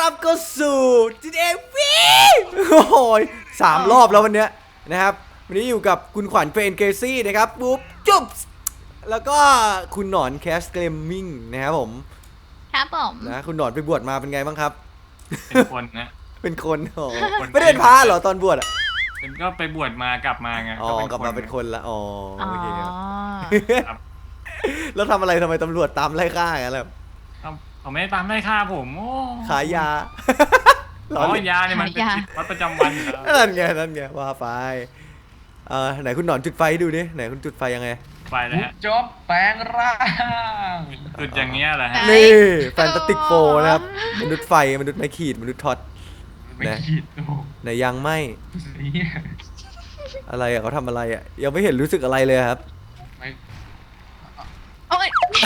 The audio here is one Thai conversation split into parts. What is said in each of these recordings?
รับเข้าสู่ GTA V โอ้โห3 รอบแล้ววันเนี้ยนะครับวันนี้อยู่กับคุณขวัญเฟรนเกซี่นะครับปุ๊บจุ๊บแล้วก็คุณหนอนแคสเกมมิ่งนะครับผมครับผมนะคุณหนอนไปบวชมาเป็นไงบ้างครับเป็นคนนะเป็นคนอ๋อไม่ได้เป็นพระเหรอตอนบวชอ่ะเป็นก็ไปบวชมากลับมาไงอ๋อกลับมาเป็นคนละอ๋อโอเคครับแล้วทำอะไรทำไมตำรวจตามไล่ฆ่ากันล่ะเขาไม่ได้ตามไล่ฆ่าผมโอ้ขายยาอ๋อยาเนี่ยมันเป็นชีวิตประจำวันอยู่แล้วนั่นไงว่าไปไหนคุณหนอนจุดไฟดูดิไหนคุณจุดไฟยังไงไปแล้วฮะจบแปลงร่างจุดอย่างเงี้ยแหละฮะนี่แฟนตาติกโฟนะครับมนุษย์ไฟมนุษย์ไม้ขีดมนุษย์ท็อตไม่ขีดโอ้ไหนยังไม่นี่อะไรอะเขาทำอะไรอะยังไม่เห็นรู้สึกอะไรเลยครับไม่โอ้ย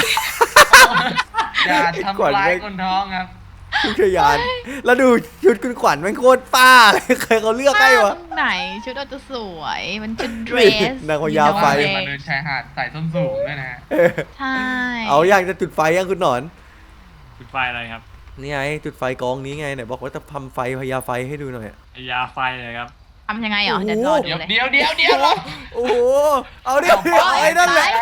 อย่าทำร้ายคนท้องครับคุณขยันแล้วดูชุดคุณขวัญมันโคตรป้าเลยใครเขาเลือกให้วะไหนชุดอาจจะสวยมันชุดเดรสนางพญาไฟมาเดินชายหาดใส่ส้นสูงด้วยนะใช่เอาอยากจะจุดไฟยังคุณหนอนจุดไฟอะไรครับนี่ไงจุดไฟกองนี้ไงไหนบอกว่าจะทำไฟพญาไฟให้ดูหน่อยยาไฟเลยครับทำยังไงเหรอเดี๋ยวรอดูเลยเดี๋ยวโอ้โหเอาดิไอ้นั่นแหละ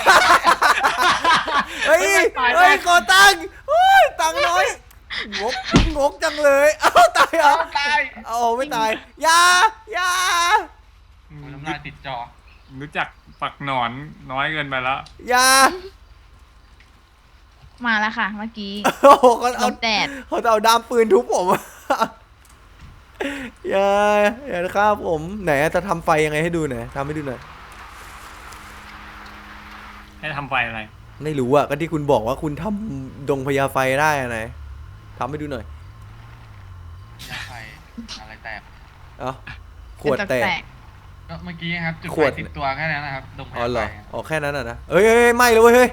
เฮ้ยขอตังค์ตังค์น้อยงกจังเลยเอาตายเหรอตายเอาไม่ตายยาน้ำลายติดจอรู้จักฝักหนอนน้อยเกินไปแล้วยามาแล้วค่ะเมื่อกี้โอ้โหเขาลเอามแดดเขาจะเอาด้ามปืนทุบผมอย่าฆ่าผมไหนจะทำไฟยังไงให้ดูหน่อยทำให้ดูหน่อยให้ทำไฟอะไรไม่รู้อะก็ที่คุณบอกว่าคุณทำดงพญาไฟได้ไหนทำให้ดูหน่อยไฟอะไรแตกเอ้าขวดแตกก็เมื่อกี้ครับจุดขไฟวดติดตัวแค่นั้นนะครับตรงอ๋อเหรอไฟอ๋อแค่นั้นอะนะเอ้ยไม่เลยเว้ยเฮ้ย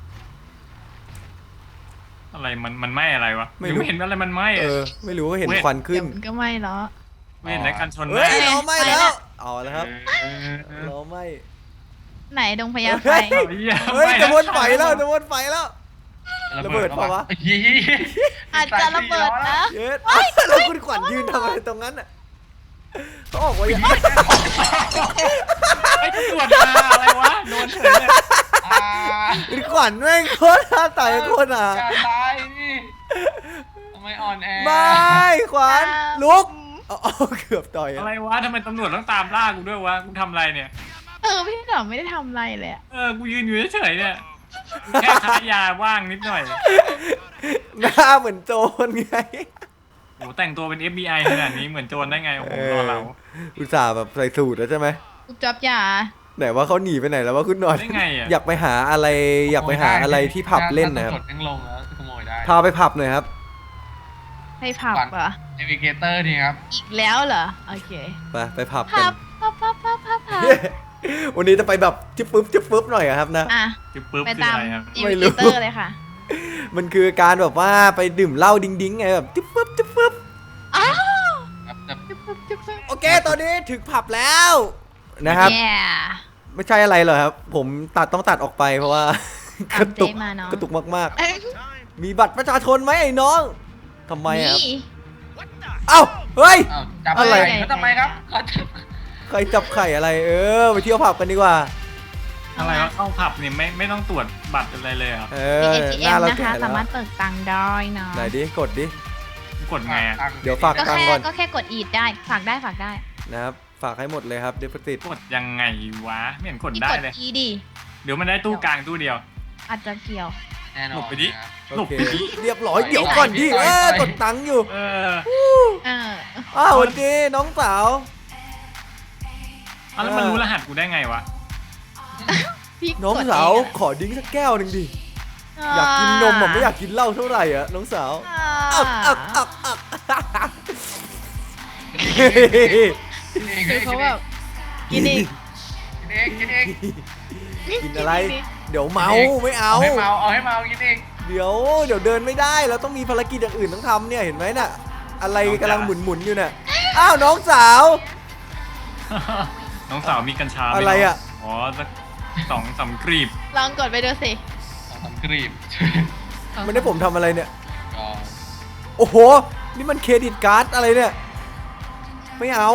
อะไรมันไหม้อะไรวะไม่รู้ไม่เห็นอะไรมันไหม้ไม่รู้ว่าเห็นควันขึ้เดี๋ยนวมันก็ไม่หรอกไม่เห็นอะไรกันชนเฮ้ยไหม้เราไม่แล้วเอาแล้วครับเออเราไม่ไหนดงพญาไฟเฮ้ยจะวนไฟแล้วจะวนไฟแล้ว ระเบิดเปล่าวะอาจจะระเบิดนะเย็ดแล้วคุณขวัญยืนทำอะไรตรงนั้นอะเขาออกว่าอย่างไอ้ตำรวจมาอะไรวะโดนเฉยเลยคุณขวัญแม่งโคตรท่าตายโคตรอ่ะอย่าตายนี่ทำไมอ่อนแอไม่ขวัญลุกเอาเกือบต่อยอะไรวะทำไมตำรวจต้องตามล่ากูด้วยวะกูทำอะไรเนี่ยพี่หนอมไม่ได้ทำอะไรเลยอะกูยืนอยู่เฉยๆเนี่ยแค่ค้ายาว่างนิดหน่อยหน้าเหมือนโจรไงโอ้แต่งตัวเป็น FBI ขนาดนี้เหมือนโจรได้ไงโอ้โหรอเราอุตส่าห์แบบใส่สูทแล้วใช่ไหมกูจับยาไหนว่าเขาหนีไปไหนแล้วว่าคุณหนอนได้ไงอ่ะอยากไปหาอะไรที่ผับเล่นนะครับถ้าตำวจยังลงแล้วขโมยได้พาไปผับหน่อยครับให้ผับเหรอเนวิเกเตอร์นี่ครับอีกแล้วเหรอโอเคไปผับกัผันบผับวันนี้จะไปแบบจิ๊บปึ๊บหน่อยอะครับนะอ่ะจิ๊บปึ๊บไปคือตามอะไรครับอิไม่นรู้วิเตอร์เลยค่ะมันคือการแบบว่าไปดื่มเหล้าดิ้งไงแบบจิ๊บปึ๊บอ้าวครับแต่จุ๊บโอเคตอนนี้ถึงผับแล้วนะครับแย่ไม่ใช่อะไรหรอกครับ ผมต้องตัดออกไปเพราะว่า กระตุกเจ๊มาเนอะกระตุกมากเอ้ยๆ มีบัตรประชาชนไหมไอ้น้องทำไมอะครับนี่เอ้าเฮ้ยอ้าวจับอะไรเขาทำไมครับเขาจับใครจับไข่อะไรไปเที่ยวผับกันดีกว่าอะไรวะเข้าผับนี่ไม่ต้องตรวจบัตรอะไรเลยเหรอ่ะมีห ATM น้าเรานะแก่คะแล้วสามารถเปิดตังค์ได้นะไหนดิกดดิกดไงอ่ะเดี๋ยวฝากก็ตังค์แค่ก่อนก็แค่กดอีดได้ฝากได้นะครับฝากให้หมดเลยครับเดฟติดกดยังไงวะไม่เห็นกดอีได้กดเลยอีดิเดี๋ยวมันได้ตู้กลางตู้เดียวอาจจะเกี่ยวแน่นอนหลบไปดินะครับโอหลบเคไปดิเรียบร้อยเดี๋ยวก่อนดิไปกดตังค์อยู่เออเอออ้าวสวัสดีน้องสาวแล้วมันรู้รหัสกูได้ไงวะพี่น้องกดสาวเะขอดิ้งสักแก้วหนึ่งดิอยากกินนมไม่อยากกินเหล้าเท่าไหร่อะน้องสาวอักคือเขาแบบกินอีกกินเองกินอะไร เดี๋ยวเมาไม่เอาเอาให้เมากินเองเดี๋ยวเดินไม่ได้เราต้องมีภารกิจอย่างอื่นต้องทำเนี่ยเห็นไหมน่ะอะไรกำลังหมุนอยู่เนี่ยอ้าวน้องสาวน้องสาวมีกัญชาหมอะไรอะอ๋อสัก2-3 กรีบลองกดไปดูสิทำกรีบไม่ได้ผมทำอะไรเนี่ยก็โอ้โหนี่มันเครดิตการ์ดอะไรเนี่ยไม่เอา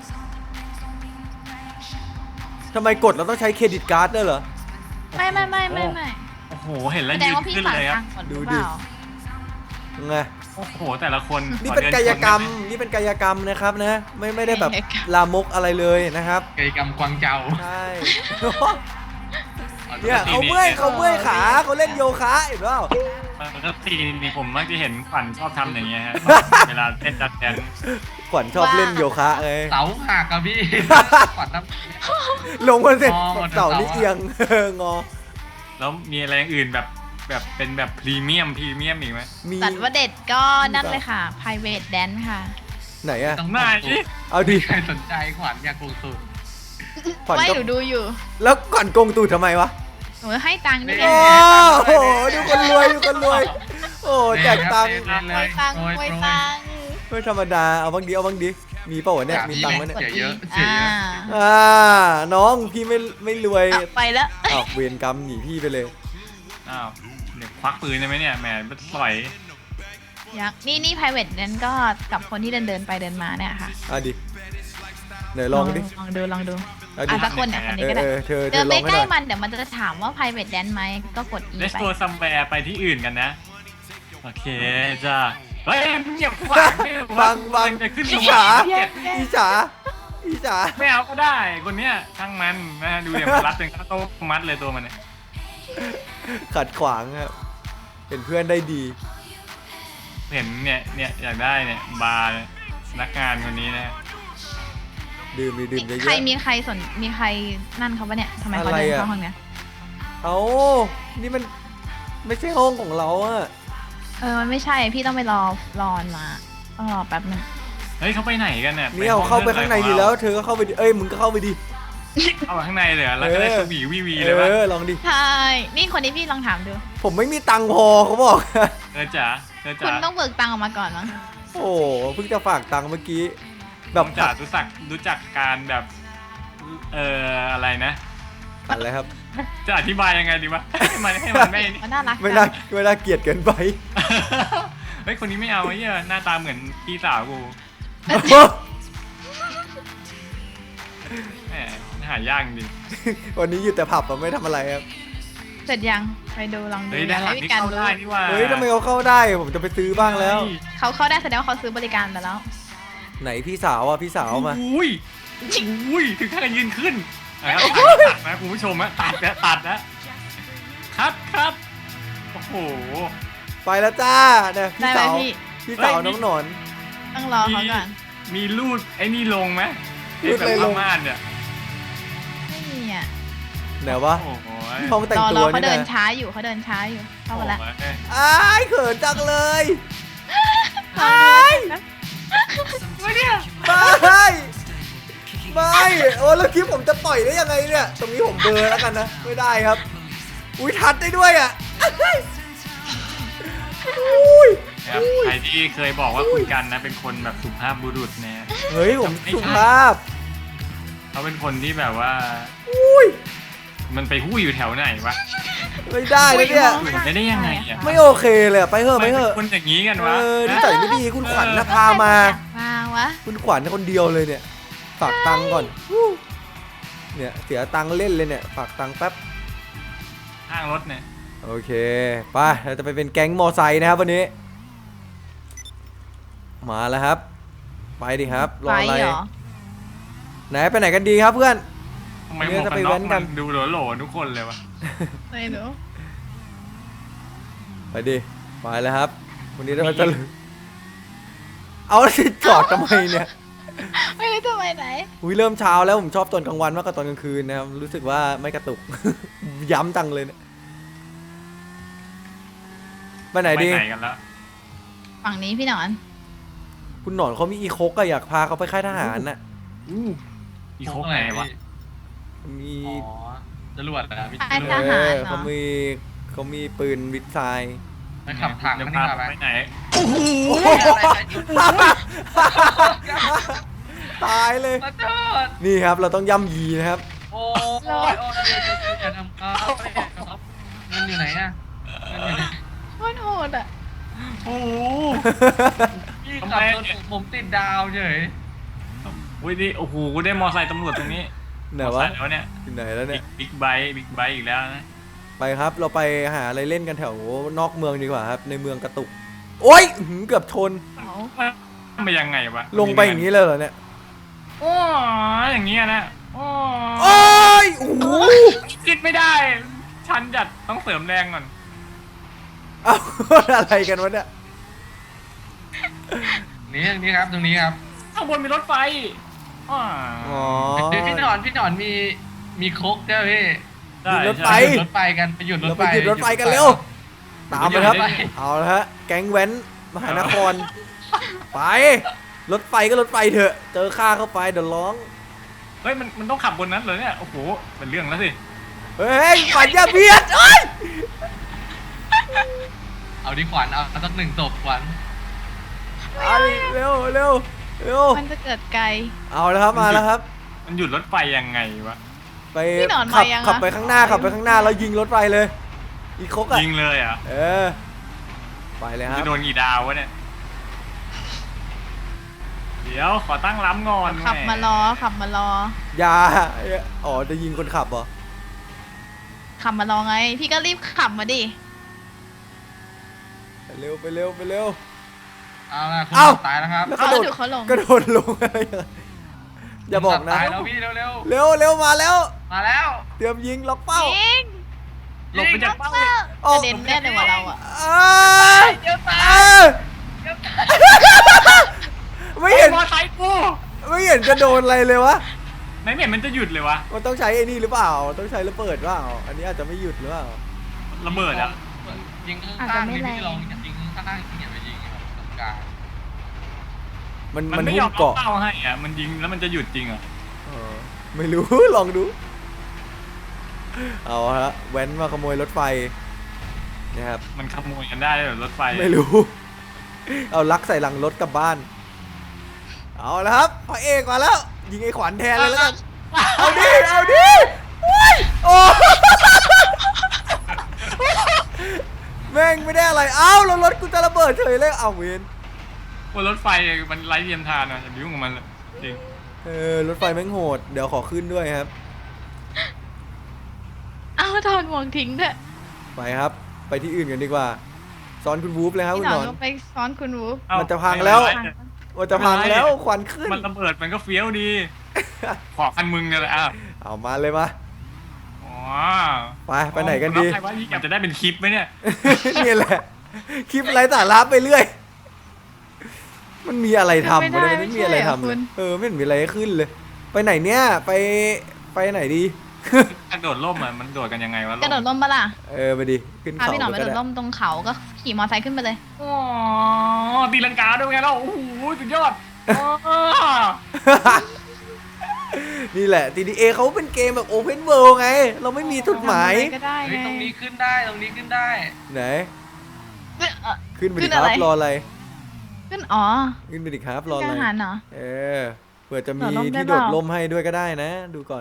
ทำไมกดเราต้องใช้เครดิตการ์ดด้วยเหรอไม่โอ้โหเห็นแล้วแสดยืงนว่าพี่ขึ้นฝากเลยคตัรับงค์ก่อนหดูรือดิเปล่าไงโอ้โหแต่ละคนนี่ขอเป็นดิกายกรรมชได้ไหนี่เป็นกายกรรมนะครับนะไม่ได้แบบลามกอะไรเลยนะครับกิจกรรมกวางเจาใช่ เนี่ยเขาเมื่อยขาเขาเล่นโยคะเห็นเปล่าปกตินี่ผมมักจะเห็นขวัญชอบทำอย่างเงี้ยฮะ เวลาเต้นจัดแดนขวัญชอบเล่นโยคะไงเสาหักอะพี่ขวัญน้ลงมาเสร็จงอหมดเสาเสานี่เอียง งอแล้วมีอะไรอย่างอื่นแบบเป็นแบบพรีเมียมอีกไหมมีสัตว์ว่าเด็ดก็นั่นเลยค่ะ private dance ค่ะไหนอะำต้องไหนเอาดิใครสนใจขวัญอยากลงทุนขวัญไม่ก็หนูดูอยู่แล้วขวัญโกงตูดทำไมวะหนูให้ตังค์ด้วยเอ๊ไงโอ้โหดูคนรวยดูคนรวย โอ้แจกตังค์ไว้ตังค์ไว้ตังค์ไม่ธรรมดาเอาบ้างดิเอาบ้างดิมีเปล่าวะเนี่ยมีตังค์ไหมเนี่ยเสียเยอะกดเสียเยอะน้องพี่ไม่รวยอ่ะไปแล้วอ้าวเวรกรรมหนีพี่ไปเลยอ้าวเดี๋ยวควักปืนได้ไหมเนี่ยแหมปล่อยยักษ์นี่ private dance ก็กับคนที่เดินไปเดินมาเนี่ยค่ะอ่ะดิไหนลองดิลองดูอ่ะดิอ่ะสักคนเนี่ยคนนี้ก็ได้เธอเดินลไปองให้ใกหล้น่อยมันเดี๋ยวมันจะถามว่า private dance ไหมก็กด E เลสไปตัวซัมแวร์ไปที่อื่นกันนะ โอเคจ้าเฮ้ยเงียบขวางไม่บังจะขึ้นอีสฉาวรรค์อีฉาอีฉาไม่เอาก็ได้คนเนี้ยช่างมันนะดูเดี๋ยวมันรัดเป็นข้าวต้มมัดเลยตัวมันเนี่ยขัดขวางครับเป็นเพื่อนได้ดีเห็นเนี่ยอยากได้เนี่ยบาร์เนี่ยพนักงานคนนี้นะดื่มเยอะใครมีใครนั่นเขาปะเนี่ยทำไมเขาเดินเข้าห้องเนี้ยๆเอานี่มันไม่ใช่ห้องของเราอะมันไม่ใช่พี่ต้องไปรอมาต้องรอแป๊บนึงเฮ้ยเขาไปไหนกันเนี่ยเนี่ยเข้าไปข้างในดีแล้ว เธอก็เข้าไปดิเอ้ยมึงก็เข้าไปดิเอาไปข้างในเลยเหรอแล้วก็ได้สวีวีเลเอยวะอลองดิใช่นี่คนนี้พี่ลองถามดูผมไม่มีตังค์พอเขาบอกเธอจ๋าคุณต้องเบิกตังค์ออกมาก่อนมั้งโอ้เพิ่งจะฝากตังค์เมื่อกี้แบแบบ บจ๋ารู้จักการแบบอะไรนะอะไรครับจะอธิบายยังไงดีวะให้มันไม่มันน่ารักไม่จัน่าง เกลียดเกินไปเฮ้ยคนนี้ไม่เอาไอ้เหี้ยหน้าตาเหมือนพี่สาวกูแหมหายากจริงวันนี้อยู่แต่ผับอะไม่ทำอะไรครับเสร็จยังไปดูลองดูเฮ้ยด้านหลังนี่เข้าได้นี่ว่าเฮ้ยทำไมเขาเข้าได้ผมจะไปซื้อบ้างแล้วเขาเข้าได้แสดงว่าเขาซื้อบริการไปแล้วไหนพี่สาวอ่ะพี่สาวมาอุ้ยถึงขั้นยืนขึ้นนะครับตัดนะคุณผู้ชมนะตัดนะครับโอ้โหไปแล้วจ้าเนี่ยพี่ได้ไหมสาวพี่พี่สาวน้องหนอนต้องรอเขาก่อนมีรูดไอ้นี่ลงไหมรูดอะไรลงม่านเนี่ยไม่มีอ่ะไหนวะโอ้โหห้องแต่งรอตัวเขานี่เดินนะช้าอยู่เข้ามาแล้วอ้ายเขินจังเลยไม่เนี่ยไม่โอ้แล้วคลิปผมจะปล่อยได้ยังไงเนี่ยตรงนี้ผมเบลอแล้วกันนะไม่ได้ครับอุ้ยทัดได้ด้วยอ่ะอุ้ยครับใครที่เคยบอกว่าคุณกันนะเป็นคนแบบสุภาพบุรุษเนี่ยเฮ้ยผมสุภาพเขาเป็นคนที่แบบว่าอุ้ยมันไปหู้อยู่แถวไหนวะไม่ได้นะเนี่ยอยู่ไม่ได้ยังไงอ่ะไม่โอเคเลยอะไปเถอะไปเถอะคนอย่างนี้กันเอวะอนิสัยไม่ดีคุณขวัญนะพามามาวะคุณขวัญคนเดียวเลยเนี่ยฝากตังค์ก่อนเนี่ยเสียตังค์เล่นเลยเนี่ยฝากตังค์แป๊บข้างรถเนี่ยโอเคไปเราจะไปเป็นแก๊งมอไซค์นะครับวันนี้ มาแล้วครับ ไปดิครับรอไปอะไรเหรอไหนไปไหนกันดีครับเพื่อนทำไมหมวกกันน็อกมันดูโหลๆทุกคนเลยวะไม่รู้ไปดิไปแล้วครับ วันนี้เราจะเอาแล้วจะจอดทำไมเนี่ยไม่รู้จะไปไหนอุ้ยเริ่มเช้าแล้วผมชอบตอนกลางวันมากกว่าตอนกลางคืนนะครับรู้สึกว่าไม่กระตุก ย้ำจังเลยเนี่ยไปไหนดีไปไหนกันแล้วฝั่งนี้พี่หนอนคุณหนอนเขามีอีโคกอะอยากพาเขาไปค่ายทหารน่ะอีโคกไหนวะมีอ๋อจรวดนะพี่ไอ้ทหารเหรอเขามีปืนวิทไซน์ไปขับถังจะมันพานี่มาไปไหมไหนตายเลยมาจอดนี่ครับเราต้องย่ำยีนะครับโอ้ยอย่าทำครับเงินอยู่ไหนอะเงินอยู่ไหนโคตรโหดอ่ะโอ้โหพี่ขับรถผมติดดาวเฉยอุ้ยนี่โอ้โหได้มอไซค์ตำรวจตรงนี้ไหนมอวะไซค์แล้วเนี่ยอยู่ไหนแล้วเนี่ยบิ๊กไบค์อีกแล้วนะไปครับเราไปหาอะไรเล่นกันแถวนอกเมืองดีกว่าครับในเมืองกระตุกโอ๊ยเกือบชนเอามันไปยังไงวะลงไปอย่างนี้เลยเหรอเนี่ยโอ้ยอย่างเงี้ยนะโอ้โอ๊ยโอ้โหคิดไม่ได้ ฉันจัดต้องเสริมแรงก่อนเอา อะไรกันวะเนี่ยนี่ครับตรงนี้ครับข้างบนมีรถไฟอ๋ออ๋อพี่หนอนมีโคกด้วยพี่ได้มีรถไฟไปหยุดรถไฟกันไปหยุดรเราถไปไฟหยุดรถไฟกันเร็วตามไปครับเอาละฮะแก๊งแว้นมหานครไปรถไฟก็รถไฟเถอะเจอข้าเข้าไปเดี๋ยวร้องเฮ้ยมันต้องขับบนนั้นเลยเนี่ยโอ้โหเป็นเรื่องแล้วสิเฮ้ยฝันอย่าเบียดเอ้ยเอาดิขวัญเอาสักหนึ่งศพขวัญเอาดิเร็วเร็วเร็วมันจะเกิดไกลเอาแล้วครับมาแล้วครับมันหยุดรถไฟยังไงวะไปพี่หนอนขัมายังอะขับไปข้างหน้าขับไปข้างหน้าแล้วยิงรถไฟเลย อีกครกอ่ะยิงเลยอ่ะเออไปเลยครับจะโดนกี่ดาววะเนี่ยเดี๋ยวขอตั้งล้ำก่อนขับมารอขับมารออย่าอ๋อจะยิงคนขับเหรอขับมารอไง พี่ก็รีบขับมาดิไปเร็วไปเร็วไปเร็วเอาละคุณเอ้าตายแล้วครับแล้วเขากระโดดดูเขาลงกระโดดลงอะไรอย่างเงี้ยอย่าบอกนะตายแล้วพี่เร็วเร็วเร็วมาแล้วๆมาแล้วเตรียมยิงล็อกเป้ายิงหลบไปจากเป้าเลยออกกระเด็นแน่เลยว่ะเราอะอ้าเดี๋ยวตายอ้าเดี๋ยวตายไม่เห็นมอไซค์กูไม่เห็นจะโดนอะไรเลยวะไหนไม่เห็นมันจะหยุดเลยวะมันต้องใช้ไอ้นี่หรือเปล่าต้องใช้ระเบิดหรือเปล่าอันนี้อาจจะไม่หยุดหรือเปล่าระเบิดอ่ะยิงข้างๆนี่พี่ลองยิงข้างๆอย่าไปยิงแบบตรงกลางมันมันไม่ยหุ้อมมเอาเกาะเป้าให้อ่ะมันยิงแล้วมันจะหยุดจริงเหรอเออไม่รู้ ลองดูเอาฮะแว้นมาขโมยรถไฟนะครับมันขโมยกันได้เหรอรถไฟไม่รู้ เอาลักใส่หลังรถกลับบ้าน เอาละครับพระเอกมาแล้ว ยิงไอ้ขวัญแทนเลยแล้วกัน เอาดิ เอาดิโอ้ยโอ้ แม่งไม่ได้อะไร เอ้าแล้วรถกูจะระเบิดเฉยเลย เอาเวนบนรถไฟมันไร้เทียมทานอ่ะอย่าไปยุ่งกับมันเลยจริงรถไฟแม่งโหด เดี๋ยวขอขึ้นด้วยครับเอาถอดหมวกทิ้งเถอะไปครับ ไปที่อื่นกันดีกว่า ซ้อนคุณวูฟเลยครับพี่คุณหนหอนนอนก็ไปซ้อนคุณวูฟเอ้ามันจะพังแล้วไม่เป็นไรว่าจะพังแล้วควันขึ้นมันระเบิดมันก็เฟี้ยวดี ขอคันมึงเนี่ยแหละอ่ะเอามาเลยมาอ๋อไปไหนกันดีใครว่าอยากจะได้เป็นคลิปไหมเนี่ยนี่แหละ คลิปไร้สาระไปเรื่อย มันมีอะไรทำไม่วะได้เนี่ยไม่มีอะไรทำไม่เลใช่ยเหรอคุณไม่เห็นมีอะไรให้ขึ้นเลย ไปไหนเนี่ย ไปไหนดีกระโดดร่มอ่ะมันโดดกันยังไงวะกระโดดร่มปะล่ะไปดิ ขึ้นพาเขาพี่หนอนไปก็โดดได้ร่มตรงเขาก็ขี่มอเตอร์ไซค์ขึ้นไปเลยอ๋อตีลังกาด้วยไงเราโอ้โหสุดยอดอ๋อนี่แหละ TDA เขาเป็นเกมแบบ Open World ไง เราไม่มีจุดหมายทำอะไรก็ได้เฮ้ยไงตรงนี้ขึ้นได้ตรงนี้ขึ้นได้ไหนเอ้ยขึ้นไปดิขึ้นคอะรัไรบ รออะไรขึ้นอ๋อขึ้นไปดิครับ รขึ้อน อะไรอาหารเหรอเผื่อจะมีโดดร่มได้ที่เปโดล่าดร่มให้ด้วยก็ได้นะ ดูก่อน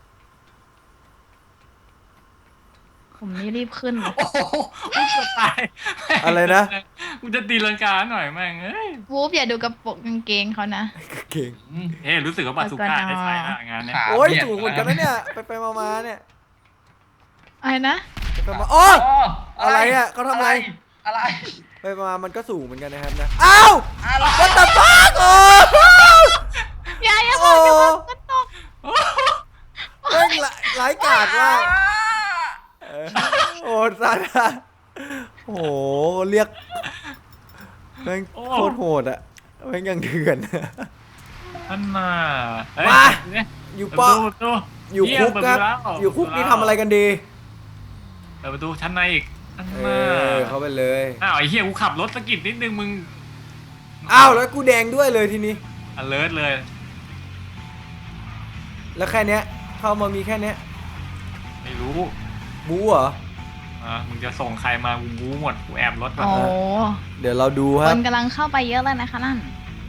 ผมนี่รีบขึ้นเลยโอ้โหกูจะตายอะไรนะกูจะตีลังกาหน่อยแม่งเอ้ยวูฟอย่าดูกระโปรงกางเกงเขานะเก่งเฮ้ยรู้สึกว่าบาซูก้าได้ใช้ละงานเนี้ยขาโอ้ยเบีดถูกเหมือนกันนะเนี่ย ไปมาเนี่ยอะไรนะไปมาอ๋ออ๋ออะไรอ่ะเขาทำอะไรอะไรไปมามันก็สูงเหมือนกันนะครับนะ อ้าวอะไร What the fuck โอ้อย่าบอกอย่าบอกก็ตกเร่งร้ายกาจมากโอ้ซาดาโอ้โหเรียกแม่งโคตรโหดอะแม่งยังเถื่อนท่านมาเฮ้ยมาเนี่ยอยู่เปิปดอประตูอยู่คุกครับเปิดประตูแล้วอยู่คุกนี่ทำอะไรกันดีเปิดประตูชั้นในอีกท่านเอมาเข้าไปเลยอ้าวไอ้เหี้ยกูขับรถสะกิดนิดนึงมึงอ้าวแล้วกูแดงด้วยเลยทีนี้ alert เลยแล้วแค่เนี้ยเข้ามามีแค่เนี้ยไม่รู้บู๊เหรอมึงจะส่งใครมากูบู๊หมดกูแอบรถก่อนโอ้เดี๋ยวเราดูคครับนกำลังเข้าไปเยอะเลยนะคะนั่น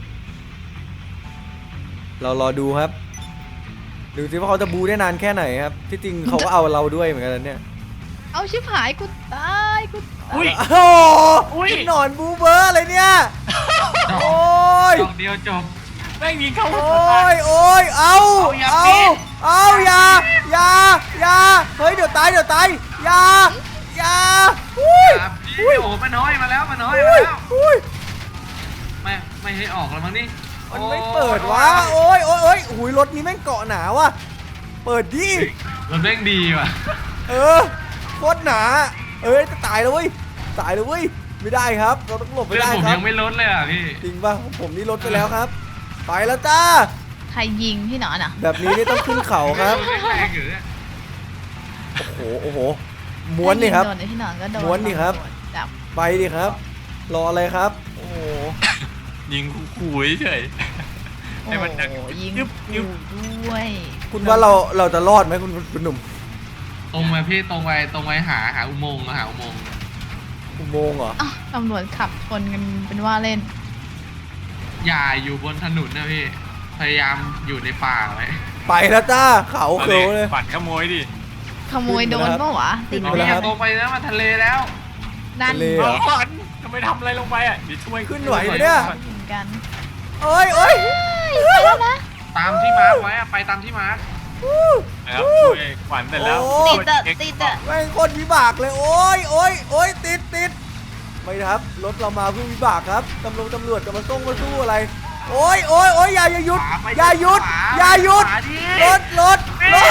เรารอดูครับ ดูสิว่าเขาจะบูได้นานแค่ไหนครับ ที่จริงเขาก็เอาเราด้วยเหมือนกันนะเนี่ยเอาชิบหายกูตายกูตายอุ้ยโอ้โหอุ๊ยหนอนบูเบอร์อะไรเนี่ยโดโอ้ยดอกเดียวจบแม่งยิงเข้าหัโอ้วตายโอ้ยเอาอย่าเอาปิดเอาอย่าเฮ้ยเดี๋ยวตายอย่าอุ้ยครับพี่โอ้มันน้อยมาแล้วอุ้ยไม่ให้ออกแล้วมั้งนี่มันไม่เปิดวะโอ้ยหุยรถนี้แม่งเกาะหนาว่ะเปิดดิมันแม่งดีว่ะโคตรหนาเอ้ยจะตายแล้วเว้ยไม่ได้ครับเราต้องหลบไม่เลือดได้ผมครัยับงไม่ลดเลยอ่ะพี่จริงป่ะผมนี่ลดไปแล้วครับ ไปแล้วจ้าใครยิงพี่หนอนอ่ะแบบนี้นี่ต้องขึ้นเขาครับแรงอยู่เนี่ยโอ้โหม้วนนี่ครับโดนไอ้พี่หนอนก็โดนม้วนดิครับจับไปดิครับ รออะไรครับ โอ้โหยิงขู่เฉยโอ้ให้มันดังโหยิงยึบยึบด้วยคุณว่าเราจะรอดไหมคุณหนุ่มตรงไปพี่ตรงไปหาอุโมงค์หาอุโมงค์อุโมงค์เหรออ้าวตำรวจขับชนกันเป็นว่าเล่นอย่าอยู่บนถนนนะพี่พยายามอยู่ในป่าไว้ไปแล้วจ้าเขาเขียวเลยปั่นขโมยดิขโมยโดนปะวะติดขึ้นไหมมาแล้วครับตรงไปนะมาทะเลแล้วนั่นทะเล เหรอก่อนทำไมทำอะไรลงไปอ่ะเดี๋ยวช่วยขึ้นไหวไหมเนี่ยเหมือนกันโอ้ยไปแล้วนะตามที่มาร์คไว้อะไปตามที่มาร์คนะครับช่วยขวัญเสร็จแล้วโอ้ติดอะติดอะแม่งโคนวิบากเลย โอ้ยติดไม่นะครับรถเรามาเพื่อวิบากครับตำรวจจะมาสู้อะไร โอ้ยอย่าหยุดขวาไปอย่าหยุดขวาอย่าหยุดขวาดิรถ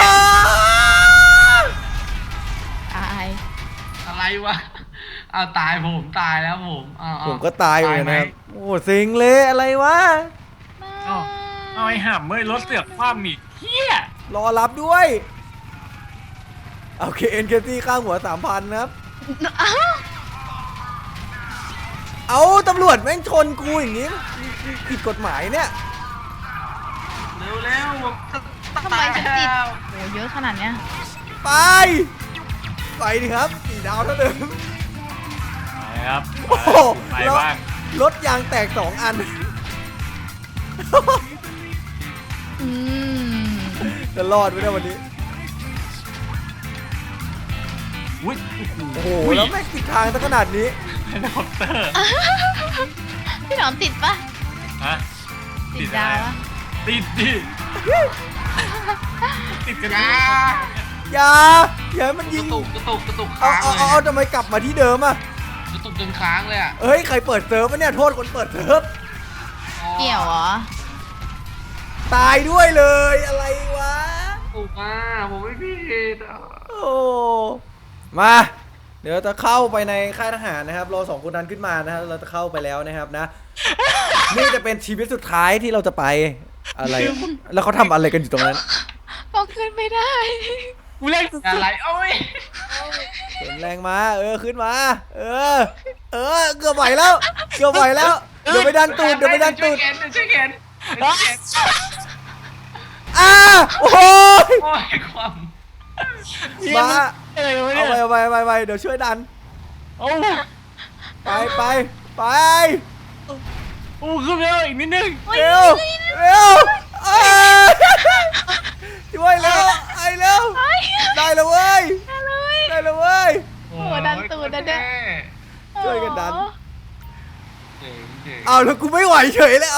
ตายอะไรวะเอาตายผมตายแล้วผมเอาผมก็ตายเหมือนกันไหมนะครับโอ้สิงเลยอะไรวะเอาไอ้ห่ำเมื่อรถเสือกคว่ำอีกเฮียรอรับด้วยโอเคเอ็นเคตี้ข้างหัว 3,000นะครับอ้าวเอาตำรวจแม่งชนกูอย่างนี้ผิดกฎหมายเนี่ยเร็วผมทำไมฉันติดโหเยอะขนาดเนี้ยไปดิครับ4 ดาวเท่าเดิมไปครับโอ้โหไปแล้วบ้างรถยางแตก2 อันอืมจะรอดไหมเนี่ยวันนี้อุ้ยโอ้โห แล้วแม่งติดทางซะขนาดนี้เฮลิคอปเตอร์พี่หนอนติดปะฮะติดดาวปะติดดิติดกันอย่าอย่าให้มันกยิระงตุกเอาค้างเลยเอาทำไมกลับมาที่เดิมอ่ะกระตุกจนค้างเลยอ่ะเฮ้ย ใครเปิดเซิร์ฟวะเนี่ย โทษคนเปิดเซิร์ฟเกี่ยวเหรอตายด้วยเลยอะไรวะถูกมาผมไม่ผิดอ่ะโอ้มา เดี๋ยวจะเข้าไปในค่ายทหารนะครับรอ2 คนนั้นขึ้นมานะฮะเราจะเข้าไปแล้วนะครับนะ นี่จะเป็นชีวิตสุดท้ายที่เราจะไปอะไร แล้วเขาทำอะไรกันอยู่ตรงนั้นบอกขึ้นไม่ได้กูเล่นสุดอะไรโอ้ยเสริมแรงมา ขึ้นมา เกือบไหวแล้ว เดี๋ยวไปดันตูดช่วยเข็นโอ้ยโอ้ยความมาอะไรวะเอาเนี่ยไปเดี๋ยวช่วยดันโอ้ไปโอ้ขึ้นไปแล้วอีกนิดนึงเร็วเอ้ยช่วยแล้วเร็วได้แล้วเว้ยโอ้ดันตูดนะเนี่ยช่วยกันดันเจ๋งเอาแล้วกูไม่ไหวเฉยแล้ว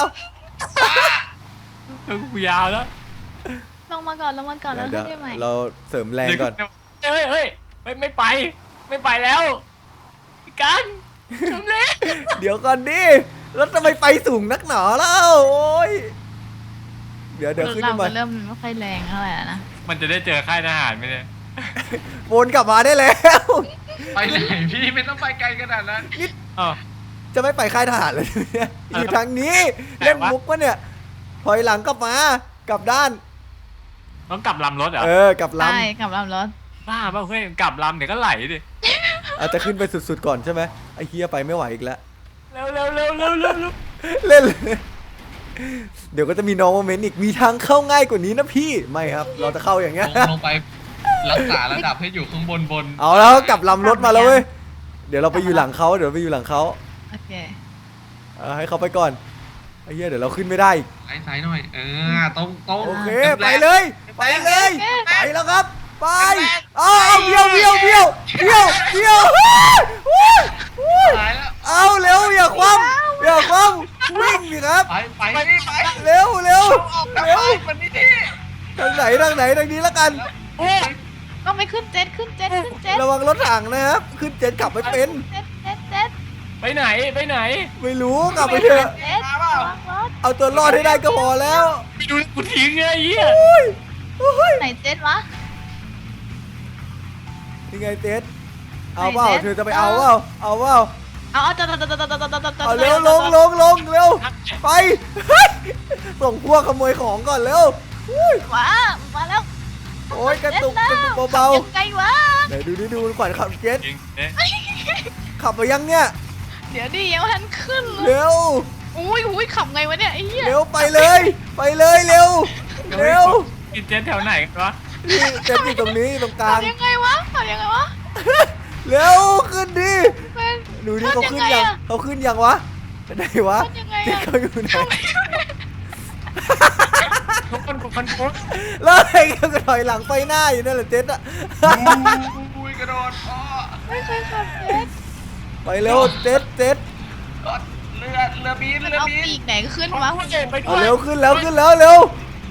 กูยาวแล้วลงมาก่อนแล้วขึ้นได้ไหมเราเสริมแรงก่อนเฮ้ยไม่ไปแล้วพี่กันทำเล่นเดี๋ยวก่อนดิแล้วทำไมไปสูงนักหนาแล้วโอ้ยเดี๋ยวขึ้นเรามาเริ่มไม่ค่อยแรงเท่าไหร่แล้วนะมันจะได้เจอค่ายทหารไหมเนี่ยวนกลับมาได้แล้วไปไหนพี่ไม่ต้องไปไกลขนาดนั้นอ๋อจะไม่ไปค่ายทหารเลยเนี่ยอยู่ทางนี้แต่เล่นว่ามุกปะเนี่ยถอยหลังกลับมากลับด้านต้องกลับลำรถเหรอกลับลใช่กับลำรถบ้าเปล่าเฮ้ยกลับลำเดี๋ยวก็ไหลดิำอาจจะขึ้นไปสุดๆก่อนใช่ไหมไอ้เฮียไปไม่ไหวอีกแล้วเร็วเร็วเล่นเลยเดี๋ยวก็จะมีน้องมาเมนต์อีกมีทางเข้าง่ายกว่านี้นะพี่ไม่ครับ เราจะเข้าอย่างเงี้ยลงไปรักษาระดับให้อยู่ข้างบนเอาแล้วกลับลำรถมาแล้วเว้ยเดี๋ยวเราไปอยู่หลังเขาโอเคให้เขาไปก่อนไอ้เหี้ยเดี๋ยวเราขึ้นไม่ได้อีกซ้ายหน่อยตรงโอเคไปเลยไปแล้วครับไปเอาเบี้ยวตายแล้วเอาเร็วอย่าคว่ำวิ่งางไหนทางนี้แล้วกันโอ้ก็ไปขึ้นเจ็ตขึ้นเจ็ตขึ้นเจ็ตระวังรถถังนะครับขึ้นเจ็ตขับไม่เป็นเจ็ตเจ็ตเจ็ตไปไหนไปไหนไม่รู้กลับไปเถอะเจ็ตระวังรถเอาตัวรอดให้ได้ก็พอแล้วไปดูกูทิ้งไงไอ้เหี้ยไหนเจ็ตวะยังไงเจ็ตเอาเปล่าไหนเจ็ตเธอจะไปเอาเปล่าเอาเปล่าเอาจะเอาเร็วลงเร็วไป ส่งพวกขโมยของก่อนเร็วอุ้ยมาแล้วโอ้ยกระตุกเบายังไงวะๆไหนดูขวัญขับเจ็ตจริงเอ๊ะขับไปยังเนี่ยเดี๋ยวดิยังไม่ทันขึ้นเลยเร็วอุ้ยขับไงวะเนี่ยไอ้เหี้ยเร็วไปเลย เร็วกินเจ๊แถวไหนกันวะนี่เจ็ตอยู่ตรงนี้ตรงกลางขับยังไงวะขับยังไงวะเร็วขึ้นดิเป็นดูดิเขาขึ้นยังไงยังอะเขาขึ้นยังวะไหนวะขึ้นยังไงเจ็ตอะเขาอยู่ไหนทุกคนกูคันโค้ดแล้วไอ้เขาก็ถอยหลังไปหน้าอยู่นั่นแหละเจ็ตอะอุ้ยกระโดดอ้อไม่เคยขับเจ็ตไปเร็วเจ็ตเรือบินมันเรือเอาบินปีกไหนขึ้นวะไปด้เอาวยเร็วขึ้นแล้วเร็ว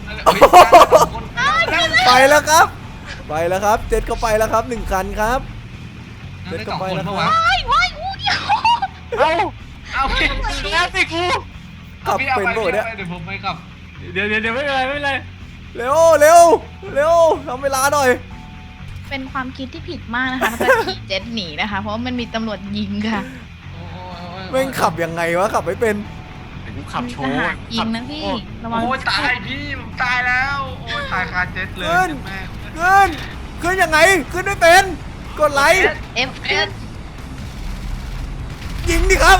ไปแล้วครับเจ็ตเขาไปแล้วครับ1 คันครับเจ็ดก็ไปแล้วว้าว้ายอู้เดียวเอาเอาพี่แล้วสิกูขับพี่เอาเป็นไปโบเนี่ยเดี๋ยวผมไปขับเดี๋ยวไม่เป็นไรไม่เป็นไรเร็วทำเวลาหน่อยเป็นความคิดที่ผิดมากนะคะมันจะขี่เจ็ตหนีนะคะ เพราะว่ามันมีตำรวจยิงค่ะแม่งขับยังไงวะขับไม่เป็นเดี๋ยวกูขับโชทว์หารยิงนะพี่ระวังโอ้ยตายพี่ผมตายแล้วโอ้ยตายคาเจ็ตเลยแม่ขึ้นยังไงขึ้นไม่เป็นกดไลค์เอฟเอสยิงดิครับ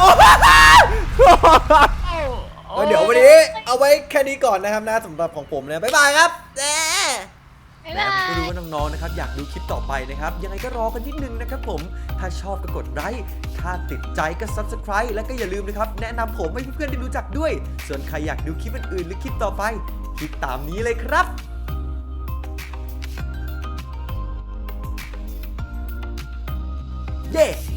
เดี๋ยววันนี้เอาไว้แค่นี้ก่อนนะครับนะสำหรับของผมนะบ๊ายบายครับไม่รู้ว่าน้องๆนะครับอยากดูคลิปต่อไปนะครับยังไงก็รอกันนิดนึงนะครับผมถ้าชอบก็กดไลค์ถ้าติดใจก็ Subscribe แล้วก็อย่าลืมนะครับแนะนำผมให้เพื่อนๆได้รู้จักด้วย ส่วนใครอยากดูคลิปอื่นๆหรือคลิปต่อไปคลิปตามนี้เลยครับเย้